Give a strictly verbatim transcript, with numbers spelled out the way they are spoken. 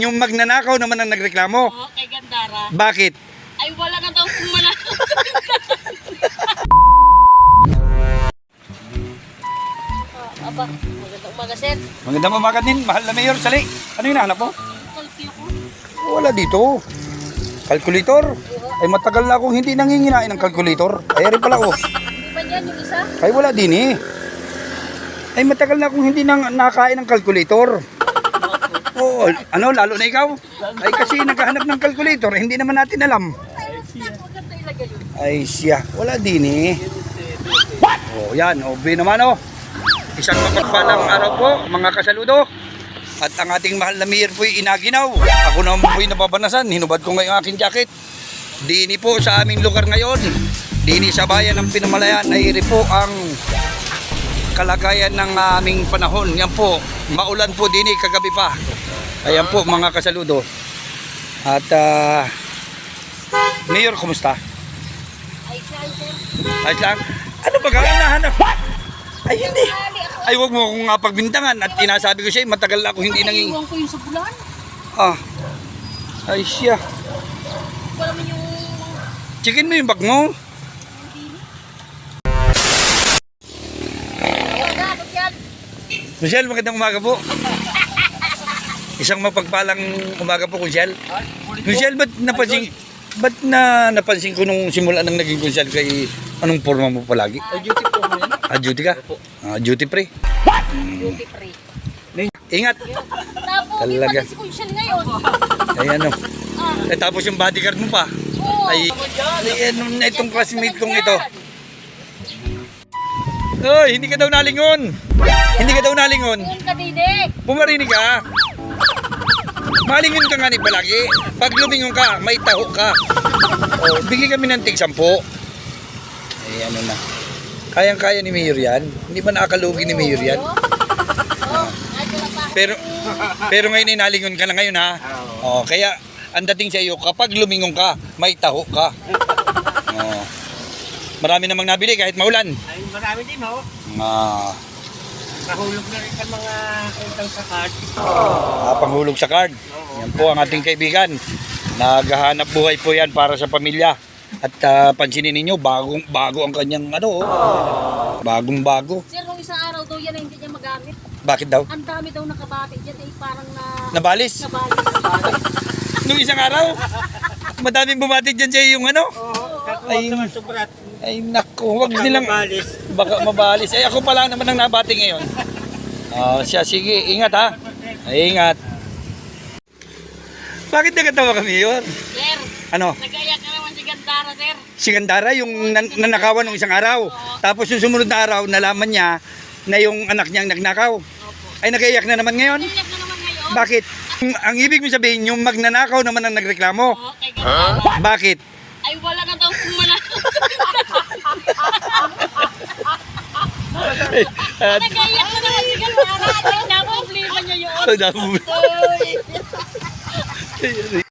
Yung magnanakaw naman ang nagreklamo. Oo, kay Gandara. Bakit? Ay, wala na daw kung manakaw. Ah, aba, magandang umaga, sir. Magandang umaga din, mahal na Mayor. Sali, ano yung nahanap mo? Kalki ako. Wala dito. Calculator? Ay matagal na akong hindi nanginginain ng calculator. Ay rin pala oh. Hindi ba yan yung isa? Ay wala din eh. Ay matagal na akong hindi nang nakain ng calculator. Oo, ano lalo na ikaw? Ay kasi naghahanap ng calculator, hindi naman natin alam. Maganda ilagay yun. Ay siya, wala din eh. Oh, yan, obe naman oh. Isang mapagpalang araw po, mga kasaludo. At ang ating mahal na mayor po'y inaginaw. Ako naman po'y nababanasan, hinubad ko ngayong aking jacket. Dini po sa aming lugar ngayon. Dini sa bayan ng Pinamalayan ay iri po ang kalagayan ng aming panahon. Yan po, maulan po dini kagabi pa. Ayan po mga kasaludo. At uh, Mayor, kumusta? Ay, siya, sir. Ayos lang. Ano ba gawin nahanap? Ay hindi. Ay wag mo akong uh, pagbintangan. At tinasabi ko siya, matagal na ako hindi nanging... Iwan ko yung sa bulan. Ah. Ay siya. Wala mo yung... Chicken mo yung bag mo. Wala, ba't yan? Michelle, magandang umaga po. Isang mapagpalang umaga po, Michelle. Michelle, ba't napansin, ba't na napansin ko nung simula nang naging Michelle kay anong forma mo palagi? Ay, duty po mo yan. Ah, duty ka? Ah, duty free. Duty free. Ingat. Tapos, Talaga. iba si Kunsyal ngayon. Ay ano. Ah, Eh, tapos yung bodyguard mo pa. oo. Ay, ay ano na itong classmate kong ito. Oy, hindi ka daw nalingon. Hindi ka daw nalingon. Yun ka, Dide. Pumarinig ka. Malingon ka nga ni palagi. Pag lumingon ka, may taho ka. Oh, bigay kami ng tig sampo. Ay, ano na. Kayang-kaya ni Mayor yan. Hindi ba nakakalugi ni Mayor yan? Oo. Ay, wala pa. Pero pero ngayon ay nalingon ka na ngayon ha. Oh, kaya ang dating sa iyo kapag lumingon ka, may taho ka. Oh. Marami namang nabili kahit maulan. Ay, marami din ho. Ah, Nahulog na rin ang mga utang sa card. ah, panghulog sa card. Yan po ang ating kaibigan. Naghahanap buhay po yan para sa pamilya. At ah, pansinin ninyo, bagong bago ang kanyang ano, oh. Bagong bago. Sir, nung isang araw daw yan ay hindi niya magamit. Bakit daw? Ang dami daw nakabati dyan ay parang na... Nabalis? Nabalis. Nung isang araw? Madaming bumati dyan sa yung ano? Oo, kakuha Ay. naman sobrat. Ay naku, wag nilang Mabalis. baka mabalis. Ay ako pala naman ang nabati ngayon. Oh, siya sige, ingat ha. Ay, ingat. Bakit nagatawa kami yun? Sir, Ano? nag-ayak ka naman si Gandara, sir. Si Gandara yung nan nanakawan ng isang araw. Tapos yung sumunod na araw, nalaman niya na yung anak niyang nagnakaw. Opo. Ay nagaiyak na naman ngayon. Nag-ayak na naman ngayon. Bakit? Ang, ang ibig mo sabihin, yung magnanakaw naman ang nagreklamo. Oo, kay Gandara. Bakit? Ay, wala na daw kung manakaw. Nag-ayak na naman si Gandara. Ay, na problema niya yun. Ay, naku. Uy.